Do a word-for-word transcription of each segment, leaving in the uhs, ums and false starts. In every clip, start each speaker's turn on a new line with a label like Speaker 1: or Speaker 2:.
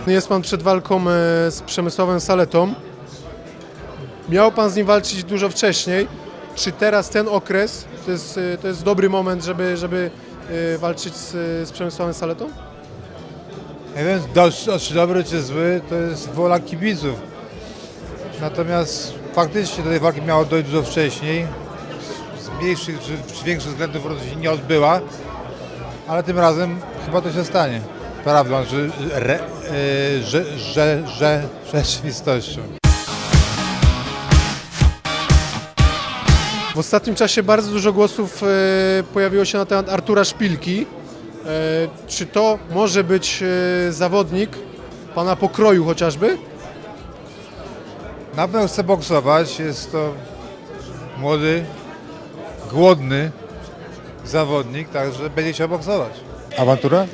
Speaker 1: Jest pan przed walką e, z Przemysławem Saletą. Miał pan z nim walczyć dużo wcześniej. Czy teraz ten okres to jest, e, to jest dobry moment, żeby, żeby e, walczyć z, z Przemysławem Saletą?
Speaker 2: Nie wiem, do, czy dobry, czy zły, to jest wola kibiców. Natomiast faktycznie do tej walki miało dojść dużo wcześniej. Z mniejszych czy, czy większych względów po prostu się nie odbyła, ale tym razem chyba to się stanie. Prawdą, że, re, yy, że, że, że rzeczywistością.
Speaker 1: W ostatnim czasie bardzo dużo głosów e, pojawiło się na temat Artura Szpilki. E, czy to może być e, zawodnik pana pokroju chociażby?
Speaker 2: Na pewno chce boksować, jest to młody, głodny zawodnik, także będzie chciał boksować. Awantura?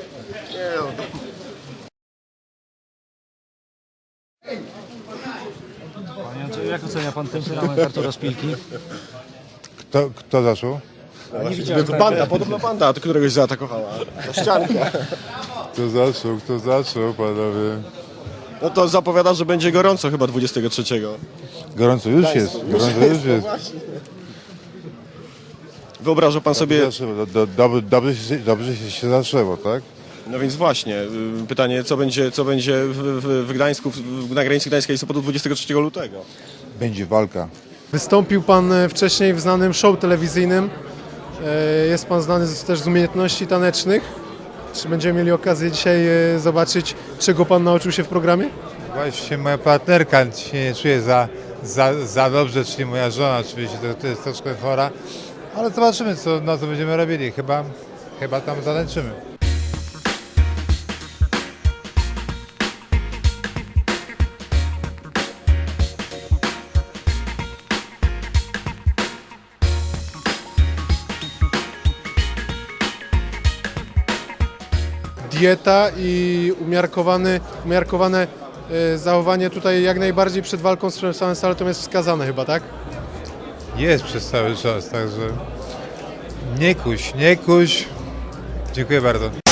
Speaker 3: Panie Andrzeju, jak ocenia pan temperament Artura Szpilki?
Speaker 2: Kto, kto zaczął?
Speaker 3: Nie widziałem
Speaker 4: To banda, podobno banda, to któregoś zaatakowała. To ścianka.
Speaker 2: Kto zaczął, kto zaczął, panowie?
Speaker 4: No to zapowiada, że będzie gorąco chyba dwudziestego trzeciego.
Speaker 2: Gorąco już jest, gorąco już jest.
Speaker 4: Wyobraża pan sobie,
Speaker 2: Zaczęło, do, do, dobrze, się, dobrze się zaczęło, tak?
Speaker 4: no więc właśnie, y, pytanie, co będzie, co będzie w, w, w Gdańsku, w, na granicy Gdańska i Sopotu dwudziestego trzeciego lutego.
Speaker 2: Będzie walka.
Speaker 1: Wystąpił pan e, wcześniej w znanym show telewizyjnym. E, Jest pan znany z, też z umiejętności tanecznych. Czy będziemy mieli okazję dzisiaj e, zobaczyć, czego pan nauczył się w programie?
Speaker 2: Właśnie moja partnerka się nie czuje za, za, za dobrze, czyli moja żona oczywiście, to, to jest troszkę chora. Ale zobaczymy, co, no, co będziemy robili. Chyba, chyba tam zatańczymy.
Speaker 1: Dieta i umiarkowany, umiarkowane e, zachowanie tutaj jak najbardziej przed walką z Przemysławem Saletą jest wskazane chyba, tak?
Speaker 2: Jest przez cały czas, także nie kuś, nie kuś. Dziękuję bardzo.